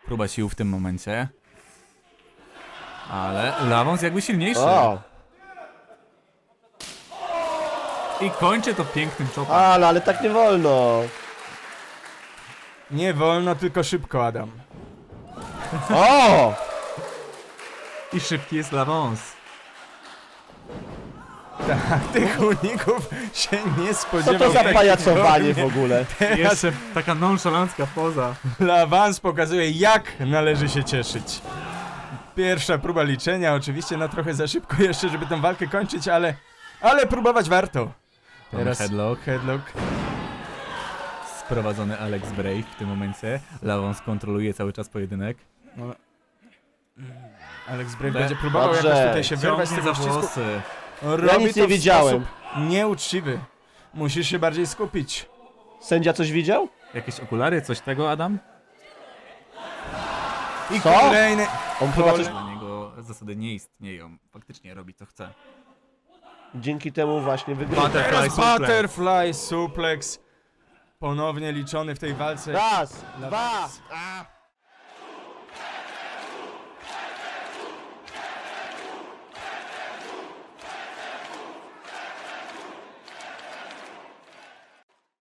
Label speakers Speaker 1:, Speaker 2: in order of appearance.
Speaker 1: Próba sił w tym momencie. Ale Lawons jakby silniejszy.
Speaker 2: O!
Speaker 1: I kończy to pięknym chopem.
Speaker 2: Ale tak nie wolno.
Speaker 3: Nie wolno, tylko szybko, Adam.
Speaker 2: O!
Speaker 1: I szybki jest Lawons.
Speaker 3: Tak, tych uników się nie
Speaker 2: Co
Speaker 3: spodziewał.
Speaker 2: to za
Speaker 3: taki
Speaker 2: pajacowanie w
Speaker 3: ognie.
Speaker 2: ogóle?
Speaker 3: Teraz
Speaker 1: Jeszcze taka nonszalancka poza.
Speaker 3: Lawans pokazuje, jak należy się cieszyć. Pierwsza próba liczenia, oczywiście na trochę za szybko jeszcze, żeby tę walkę kończyć, ale próbować warto. Teraz headlock.
Speaker 1: Sprowadzony Alex Brave w tym momencie. Lawons kontroluje cały czas pojedynek.
Speaker 3: No. Alex Brave będzie próbował
Speaker 2: Dobrze.
Speaker 3: jakoś tutaj się wyrwać z
Speaker 1: Ciągnie
Speaker 3: tego
Speaker 1: za
Speaker 3: ścisku.
Speaker 1: włosy.
Speaker 3: Robi
Speaker 2: nic
Speaker 3: to
Speaker 2: nie
Speaker 3: w
Speaker 2: widziałem.
Speaker 3: sposób nieuczciwy. Musisz się bardziej skupić.
Speaker 2: Sędzia coś widział?
Speaker 1: Jakieś okulary, coś tego, Adam?
Speaker 3: I
Speaker 2: Co?
Speaker 3: kolejny...
Speaker 2: On chyba coś...
Speaker 1: Dla niego zasady nie istnieją. Faktycznie robi co chce.
Speaker 2: Dzięki temu właśnie wygrywa.
Speaker 3: Teraz
Speaker 1: suplex.
Speaker 3: butterfly suplex. Ponownie liczony w tej walce.
Speaker 2: Raz, dwa.